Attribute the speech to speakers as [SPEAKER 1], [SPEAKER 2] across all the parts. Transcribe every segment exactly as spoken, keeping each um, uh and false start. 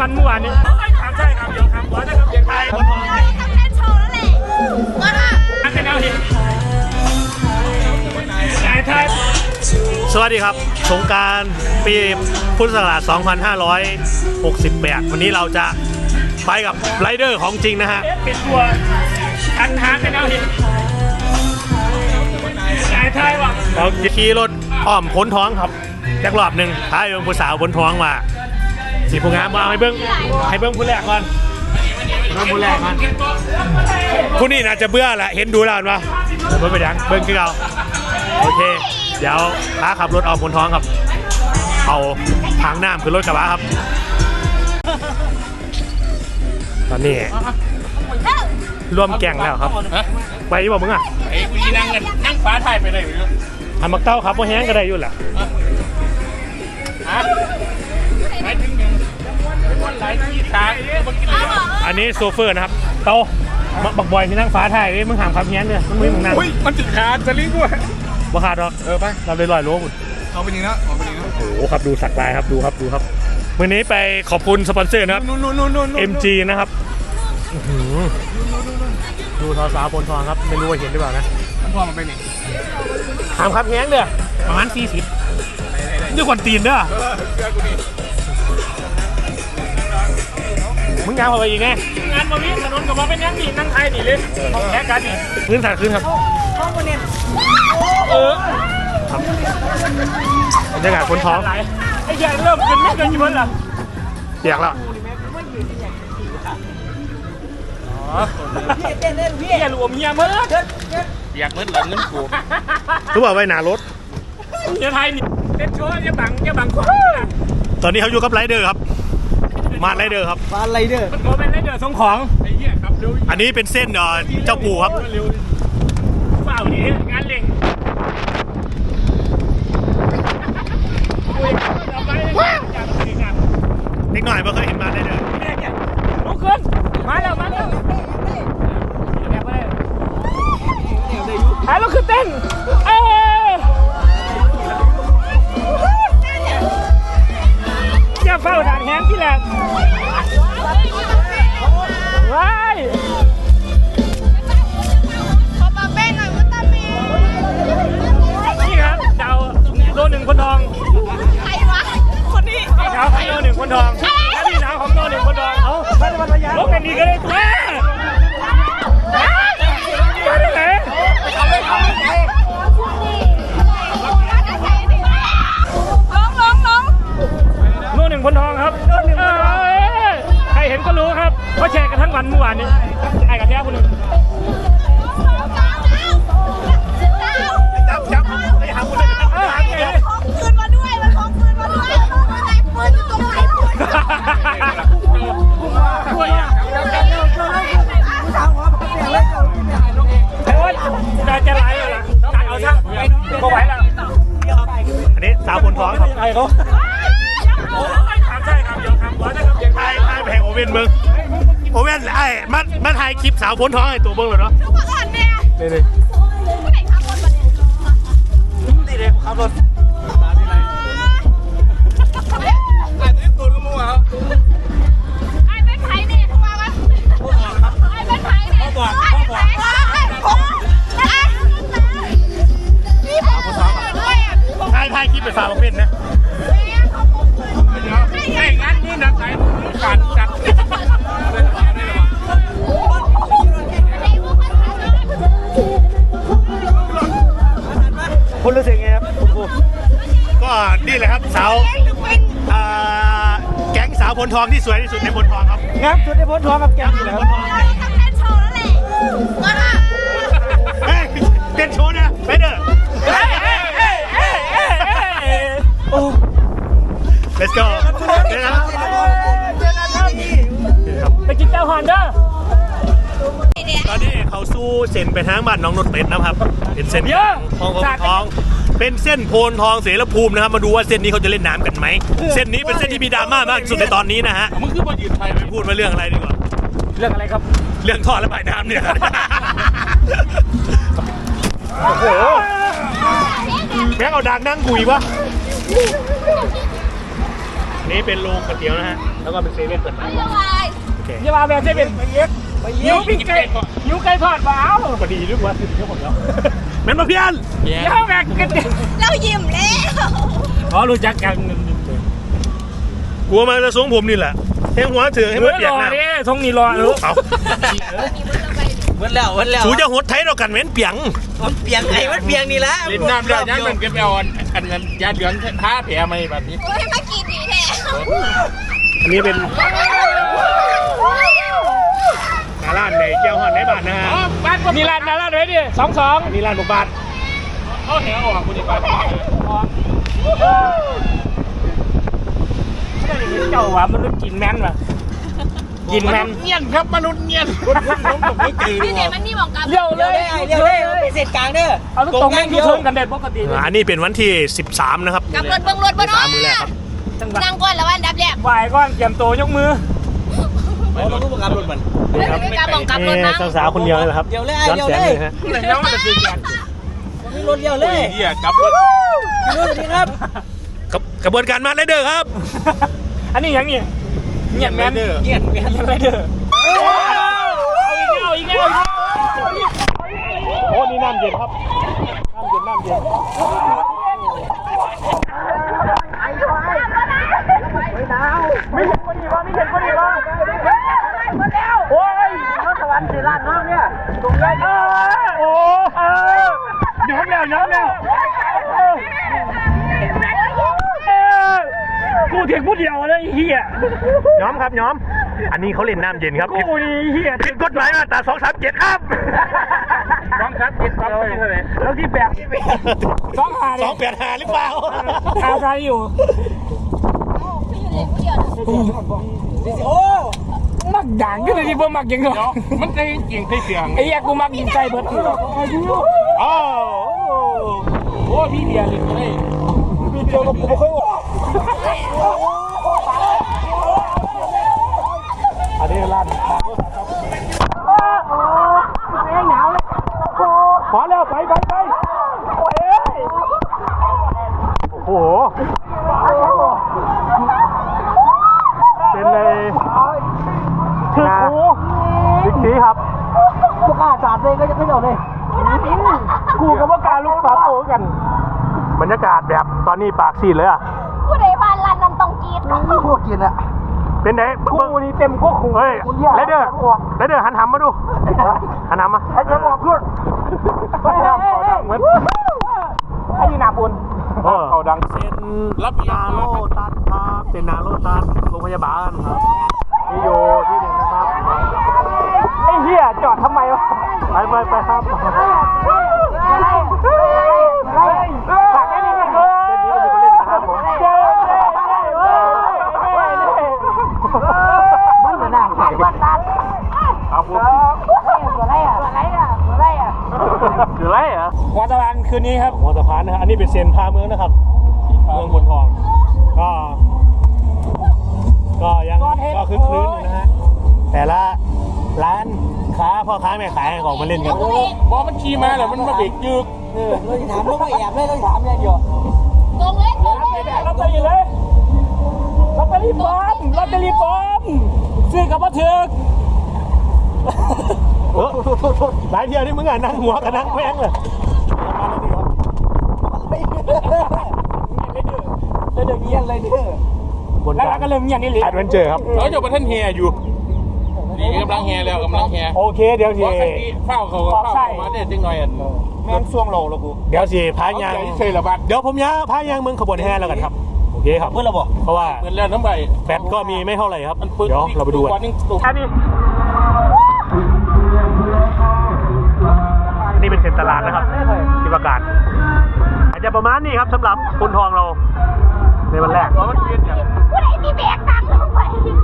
[SPEAKER 1] วันเมื่อวานนี้ครับใช่ครับเดี๋ยวครับว่าจะทำเสียงไทยคนทองเลยทำแค่โชว์แล้วแหละมาค่ะอันเป็นแนวที่ไทย
[SPEAKER 2] สวัสดีครับสงกรานต์ปีพุทธศักราชสองพันห้าร้อยหกสิบแปดวันนี้เราจะไปกับไรเดอร์ของจริงนะฮะ
[SPEAKER 1] เป็นตัวอันหาเป็นแนวที่ไทยว่ะ
[SPEAKER 2] เราขี่รถอ้อมพ้นท้องครับแจ็ครอบหนึ่งท้ายเป็นผู้สาวพ้นท้องมาสีผู้งามมาให้เบิ้งให้เบิ้งผู้แรกก่อนเบิ้งผู้แรกก่อนผู้นี้น่าจะเบื่อแหละเห็นดูแล้วมั้ยเบิ้งไปดังเบิ้งคือเราโอเคเดี๋ยวพาขับรถออกพ้นท้องครับเอาทางน้ำคือรถกระบะครับตอนนี้รวมแก่งแล้วครับไปบอกมึงอ่ะ
[SPEAKER 1] ไอ้กูนั่งกันนั่งฟ้าไทยไปเลย
[SPEAKER 2] ทำมักเต้าครับเพราะแห้งก็ได้ยุ่นแหละ
[SPEAKER 1] ฮะไปถึงวันไหลที่ทาง
[SPEAKER 2] อันนี้โซเฟอร์นะครับเต้าบักบอยที่นั่งฟ้าไทยมึงถามคำแห้งเลยมึงมึงนั่ง
[SPEAKER 1] มันติดขาดจะลิงด้วย
[SPEAKER 2] บ่ขาดหรอก
[SPEAKER 1] เออไป
[SPEAKER 2] เราเลยลอยโลบุญ
[SPEAKER 1] เอาไปยิงนะเอาไปยิงนะ
[SPEAKER 2] โอ้โหครับดูสักลายครับดูครับดูครับวันนี้ไปขอบคุณสปอนเซอร์นะครับ เอ็ม จี นะครับดูทอสาวบนทองครับไม่รู้ว่าเห็นหรือเปล่านะ
[SPEAKER 1] มันพอมันไปนี่
[SPEAKER 2] ถามครับแง้งเด้อประมาณสี่สิบนี่คนตีนเด้อมึงงานมาไปอีกไง
[SPEAKER 1] งานมาวิ่งถนนกับมาเป็นยังดีนั่งไทยดีเลยของแท้กันนี่
[SPEAKER 2] พื้นฐานขึ้นครับ
[SPEAKER 1] ห้องบนเนี่ยเออ
[SPEAKER 2] ครับบรรยากาศบนท้อง
[SPEAKER 1] ไอ้แย่เริ่มขึ้นไม่เกินกี่วันละ
[SPEAKER 2] เปียกแล้ว
[SPEAKER 1] พี่เต้นเล่นพี่รวมเมียเมื่ออยากเมื่อหลังเงินกู
[SPEAKER 2] รู้ป่าวไว้หนารถ
[SPEAKER 1] เมียไทยนี่เต้นโชว์ยังบังยังบังคน
[SPEAKER 2] ตอนนี้เขาอยู่กับไรเดอร์ครับมาไรเดอร์ครับ
[SPEAKER 1] มาไรเดอร์มันเป็นไรเดอร์ส่งของไอ้เหี้ยครับ
[SPEAKER 2] อันนี้เป็นเส้นเจ้าปู่ครับ
[SPEAKER 1] เปล่าดิงานเล่ง
[SPEAKER 2] เด็กหน่อยไม่เคยเห็นมาได้เลย
[SPEAKER 1] ลุกขึ้นมาแล้วมาแล้วหายลุกขึ้นเต้นเอ้อย่าเฝ้าด่านแห้งที่แหลกว้าย
[SPEAKER 3] ขอปากเป้หน่อยว่าตาเมย์
[SPEAKER 1] นี่ครับดาวโลหนึ่งคนทอง
[SPEAKER 3] ใครวะคนนี้
[SPEAKER 1] ดาวของโลหนึ่งคนทองและพี่ดาวของโลหนึ่งคนทองเอาไปวันพยาลบกันดีก็ได้ตัวไปได้ไหนเอาไปเอาไป
[SPEAKER 3] ลงลงลง
[SPEAKER 1] โลหนึ่งคนทองครับใครเห็นก็รู้ครับเพราะแชร์กันทั้งวันเมื่อวานนี้ไอ้กับแท้คนหนึ่งจับจับไปหาคนเลยเออหาคนเลย
[SPEAKER 3] ของคืนมาด้วยมันของคืนมาด้วยมันไหนปืนอยู่ตรงไหนปืน
[SPEAKER 1] ด้วยอ่ะโอ๊ยจะจะไหลเลยล่ะเอาซะก็ไหวแล้ว
[SPEAKER 2] อันนี้สาวบนท้องครับ
[SPEAKER 1] ไอ้เขาใช่ครับเดี๋ยวครับว่าจะทำเสียงไทย
[SPEAKER 2] ไทยแพงโอเว่นมึงโอเว่นไอ้มันมันถ่ายคลิปสาวบนท้องไอ้ตัวเบิ้งเลยเนาะ
[SPEAKER 3] ทุกคนเนี่ย
[SPEAKER 2] นี่นี่
[SPEAKER 3] ผู้ไหนขับรถมาเนี่ย
[SPEAKER 1] นี่เลยขับรถไอ้ตัวตัวก็มั่วครับ
[SPEAKER 3] ไอ้เป็นไผ่เนี่ยถูกป่ะวะไอ้เป็นไผ่เนี่ย
[SPEAKER 1] พ่อบอกพ่อบอก
[SPEAKER 3] นี่พ่อบอกด้วยอ่ะ
[SPEAKER 2] ถ่ายถ่ายคลิปไปสาวโอเว่นนะ
[SPEAKER 1] ไอ้งั้นนี่นักไหนการจัด
[SPEAKER 2] คุณรู้สึกไงครับคุณครูก็นี่แหละครับสาวแก๊งสาวพลทองที่สวยที่สุดในพลทองครับ
[SPEAKER 1] ครับสุดในพลทองกับแก๊งนี่แหละครับ
[SPEAKER 3] ทำแค่โชว์แล้วแหละมาค่ะ
[SPEAKER 2] เฮ้ยเต้นโชว์นะไปเด้อโอ้ let's go เดี๋ยวนะครับ
[SPEAKER 1] ไปกินแก้วฮอนเด้อ
[SPEAKER 2] ตอนนี้เขาสู้เส้นไปทางบ้านน้องนนท์เป็ดนะครับเป็นเส้นทองทองเป็นเส้นโพนทองเสรภูมินะครับมาดูว่าเส้นนี้เขาจะเล่นน้ำกันไหมเส้นนี้เป็นเส้นที่มีดราม่ามากที่สุดในตอนนี้นะฮะ
[SPEAKER 1] มึงคือมายืนไทย
[SPEAKER 2] พูดมาเรื่องอะไรดีกว่า
[SPEAKER 1] เรื่องอะไรครับ
[SPEAKER 2] เรื่องท่อระบายน้ำเนี่ยโอ้โหแม่งเอาดังนั่งกุยวะนี่เป็นโรงก๋วยเตี๋ยวนะฮะแล้วก็เป็นเซเว่นเปิดใหม่
[SPEAKER 3] เรียกว่า
[SPEAKER 2] โอเค
[SPEAKER 1] อย่ามาแบบใช่เป็นหิวปิ้งไก่หิวไก่ทอดบ้าว
[SPEAKER 2] พอดีรู้ว่าสิบเท่าหมดแล้วแม่นมาเพี้ยน
[SPEAKER 1] เดี๋ยวแบกกัน
[SPEAKER 3] เรายิ้มแล้ว
[SPEAKER 1] อ๋อรู้จักกัน
[SPEAKER 2] กลัวมาจะสูงผมนี่แหละแทงหัวเถื่อให้มันเปียก
[SPEAKER 1] รอ
[SPEAKER 2] นะ
[SPEAKER 1] เนี่ยทงนี่รอรู้
[SPEAKER 2] เอา
[SPEAKER 4] วันแล้ววันแล้ว
[SPEAKER 2] สูจะหดไทยเรากันเหม็นเปียง
[SPEAKER 4] มันเปียงไอ้มันเปียงนี่ละ
[SPEAKER 5] ลิ้นน้ำได้ยังมันเก็บเอาอันอันนั้นยาเดือนท้าแผลไหมแบบนี้
[SPEAKER 3] โอ้ยมากินดีแท้
[SPEAKER 2] อันนี้เป็นนาร้านในเจ้าหอนในบ้านนะฮะ
[SPEAKER 5] บ้านผม
[SPEAKER 1] มีร้านนะร้านไว้ดิสองสอง
[SPEAKER 2] อันนี้ร้านบุกบาท
[SPEAKER 5] เขาแหออกคุณดีกว่า
[SPEAKER 1] เจ้าว่ามันรู้กินแม่นป่ะกินแม่น
[SPEAKER 5] เงียนครับมนุษย์เงียนคุณผมผมไม่ตื่น
[SPEAKER 3] พี่เนมันนี่มองกัน
[SPEAKER 1] เลี้ยวเล
[SPEAKER 4] เดี๋ยวย ได้เดี๋ยวได้เป็นเศษกลางเด้อ
[SPEAKER 1] เอาลูกตรงแม่งยูเทิร์นกันเด็ดปกติเลย
[SPEAKER 2] อันนี้เป็นวันที่สิบสามนะครับ
[SPEAKER 3] กับรถเบิ้งรถบ่เนาะ
[SPEAKER 2] สามมือแรกครับ
[SPEAKER 1] จังหวะ
[SPEAKER 3] นั่งก่อนแล้ววันดับแรก
[SPEAKER 1] ไหวก้อนเตรียมตัวยกมือ
[SPEAKER 4] เอาลูกประกับรถมัน
[SPEAKER 3] ไม่ได้การมองกับรถ
[SPEAKER 2] นี่
[SPEAKER 3] นั่ง
[SPEAKER 2] สาวๆคนเดียวเลยเหรอครับ
[SPEAKER 4] เดี๋ยวเลย
[SPEAKER 2] ย้อน
[SPEAKER 4] เดี๋ยว
[SPEAKER 2] แส
[SPEAKER 4] เล
[SPEAKER 2] ง
[SPEAKER 4] ย
[SPEAKER 2] เลยฮะ
[SPEAKER 5] แล้วมันจะตื่นกัน
[SPEAKER 4] มีรถเดียวเลย
[SPEAKER 5] เฮียกลับรถ
[SPEAKER 4] มีรถดีครับ
[SPEAKER 2] กับกระบวนการมาเลเดอร์ครับ
[SPEAKER 1] อันนี้ยังนี่เงียบแม่น
[SPEAKER 5] เด้อ
[SPEAKER 4] เกียนเกียน
[SPEAKER 1] ยังไรเด้อเอาอีกแล้วอีกแล้ว
[SPEAKER 2] โอ้นี่น้ำเย็นครับน้ำเย็นน้ำเย็น
[SPEAKER 1] ไม่เห็นคนดีวะไม่เห็นคนดีวะโอ้ยรถสวรรค์สี่ล้านน้องเนี่ยตรงนี้โอ้เออย้อมแล้วย้อมแล้วกูเถียงผู้เดียวเลยเฮีย
[SPEAKER 2] ย้อมครับย้อม อันนี้เขาเล่นน้ำเย็นครับ
[SPEAKER 1] กูนี่เฮีย
[SPEAKER 2] ผิดกฎหมายมาตราสองสามเจ็ดครับ
[SPEAKER 5] สองครับเจ็ดครับเท่าไหร่
[SPEAKER 1] แล้วที่แบกสองหา
[SPEAKER 2] ส
[SPEAKER 1] เนี่
[SPEAKER 2] อย งแปดหาหรือเปล่า
[SPEAKER 1] เอาใครอยู่
[SPEAKER 4] โอ้
[SPEAKER 1] มักด่างก็เลยที่บ่มักยังไง
[SPEAKER 5] มันใจเก่งใจเสียง
[SPEAKER 1] ไอ้เหี้ยกูมักยิงใจเบิด
[SPEAKER 2] อ้าว
[SPEAKER 5] โอ้พี่เดียเลยเลย
[SPEAKER 1] มีเดียวกับกูไม่ค่อยว่า
[SPEAKER 2] อันนี้ร้าน
[SPEAKER 1] ขอแล้วไปไปไปโอ้ย
[SPEAKER 2] โอ้โห เป็นเลย
[SPEAKER 1] คือกู
[SPEAKER 2] บิ๊กซีครับ
[SPEAKER 4] พวกอาจารย์เลยก็จะไม่เอาเลย
[SPEAKER 1] กูกับว่าการลูกปลาโตกัน
[SPEAKER 2] บรรยากาศแบบตอนนี้ปากซีดเลยอ่ะ
[SPEAKER 3] ผู้ใดบ้านร้านนั้นต้องกิน
[SPEAKER 4] พวกกินอะ
[SPEAKER 2] เป็นไง
[SPEAKER 1] กูนี่เต็มพวกขู่
[SPEAKER 2] เฮ้ยไรเดอร์ไรเดอร์หันหำมาดู หันหำมา
[SPEAKER 1] ไอ้เจ้าบอกพูดไอ้เหมือนไอ้ยีนาปุน
[SPEAKER 2] เออ
[SPEAKER 5] เขาดัง
[SPEAKER 2] เซ็น
[SPEAKER 5] รับยา
[SPEAKER 2] นาโลตัสครับเป็นนาโลตัสโรงพยาบาลครับนี่อยู่ที่หนึ่งนะครับ
[SPEAKER 1] ไอ้เหี้ยจอดทำไมวะ
[SPEAKER 2] ไปไปไปครับ
[SPEAKER 1] ฝากไอ้นี่นะ
[SPEAKER 2] เส้นนี้ก็มีคนเล่นนะครับผม
[SPEAKER 4] มันเหมือนหน้าใส่บัตร
[SPEAKER 2] ครับผม
[SPEAKER 1] คือไรเหรอวัตวันคืนนี้ครับ
[SPEAKER 2] หัวสะพานนะฮะอันนี้เป็นเซนพาเมืองนะครับเมืองบนทองก็ก็ยังก็คึกคืนอยู่นะฮะแต่ละร้านค้าพ่อค้าแม่ขายของมาเล่นกัน
[SPEAKER 5] บอมันขี่มาแล้วมันมาเบรกยึก
[SPEAKER 4] เออเราจะถามลูกว่าแอบเลยเราจะถามอย่างเดียว
[SPEAKER 3] ตรงเลยตรงเลย
[SPEAKER 1] ลอตเตอรี่เลยลอตเตอรี่ปลอมลอตเตอรี่ปลอมซื้อกับว่าถึก
[SPEAKER 2] โอ้หลายเที่ยวนี่มึงอ่ะนั่งหัวกับนั่งแพงเลย
[SPEAKER 1] แล้วเดี๋ยวเงียบเลยเด้อบ
[SPEAKER 2] น
[SPEAKER 1] แล้ว
[SPEAKER 2] การ
[SPEAKER 1] ก็เริ่มเงียบนี่เลย
[SPEAKER 2] แอดเวนเจอร์ครับ
[SPEAKER 5] เราอยู่ประเทศเฮียอยู่นี่กำลังเฮียแล้วกำลังเฮีย
[SPEAKER 2] โอเคเดี๋ยวสิ
[SPEAKER 5] ว่าคันนี้เฝ้าเขาเฝ้ามาเนี่ยจังหน่อยอ่ะ
[SPEAKER 1] แม่งช่วงโลแล้วกู
[SPEAKER 2] เดี๋ยวสิพา
[SPEAKER 5] เอา
[SPEAKER 2] ยาง
[SPEAKER 5] ใจเฉยละบัด
[SPEAKER 2] เดี๋ยวผมย้าพายางเมืองขบวนแห่แล้วกันครับโอเคครับ
[SPEAKER 4] เพื่อนเราบอก
[SPEAKER 2] เพราะว่า
[SPEAKER 5] เหมือนแล้วน้ำใบ
[SPEAKER 2] แฟตก็มีไม่เท่าไหร่ครับ
[SPEAKER 5] มันปืน
[SPEAKER 2] เดี๋ยวเราไปดูกัน
[SPEAKER 5] วันนึงตุก
[SPEAKER 1] อันนี้
[SPEAKER 2] นี่เป็นเซ็นตลาดนะครับที่ประกาศอาจจะประมาณนี้ครับสำหรับคนทองเราในวันแรก
[SPEAKER 5] ว่ามันเย็นอย่าง
[SPEAKER 3] ผู้ใดมีแบกตังค์ลงไป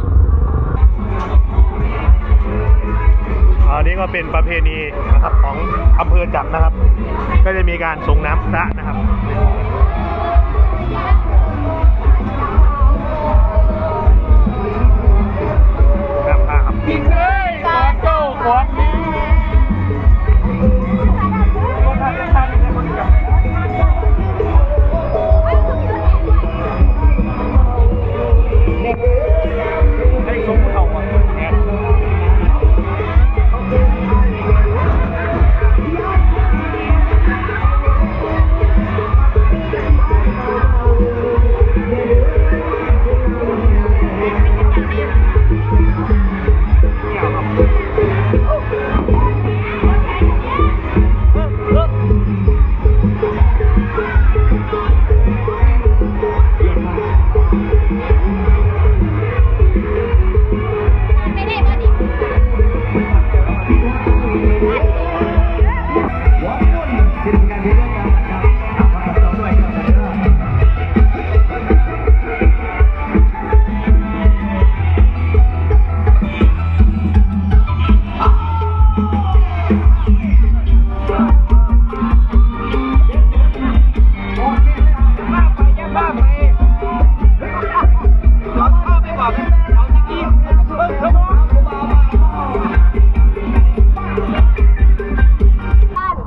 [SPEAKER 2] อันนี้ก็เป็นประเพณีนะครับของอำเภอจักรนะครับ ก็จะมีการส่งน้ำพระนะครับน้ำพระครับ
[SPEAKER 5] เฮ้ยขอโจ้ขอนี้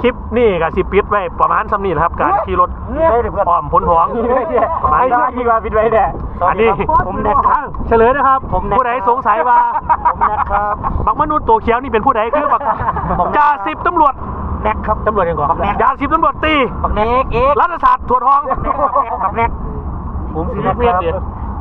[SPEAKER 2] ลิปนี่กับสิปิดไว้ประมาณซ้ำนี่นะครับการขี่รถอ้อมพ้นท้องประมาณนี้
[SPEAKER 4] ที่ว่าปิดไว้เนี่ย
[SPEAKER 2] อันนี้
[SPEAKER 4] ผมแนทครับ
[SPEAKER 2] เฉลยนะครับ
[SPEAKER 4] ผมแนท
[SPEAKER 2] ผู้ใดสงสัยว่า
[SPEAKER 4] ผมแนทครับ
[SPEAKER 2] บักมนุษย์ตัวเขียวนี่เป็นผู้ใดคือบักจ่าสิบตำรวจ
[SPEAKER 4] แนทครับ
[SPEAKER 2] ตำรวจยังก่อนจ่าสิบตำรวจตี
[SPEAKER 4] บักแนกเอก
[SPEAKER 2] รัฐศาสตร์ถั่วทอง
[SPEAKER 4] บักแนกผมสิแนท
[SPEAKER 2] เรียก
[SPEAKER 4] ค
[SPEAKER 2] เดีย
[SPEAKER 4] รับ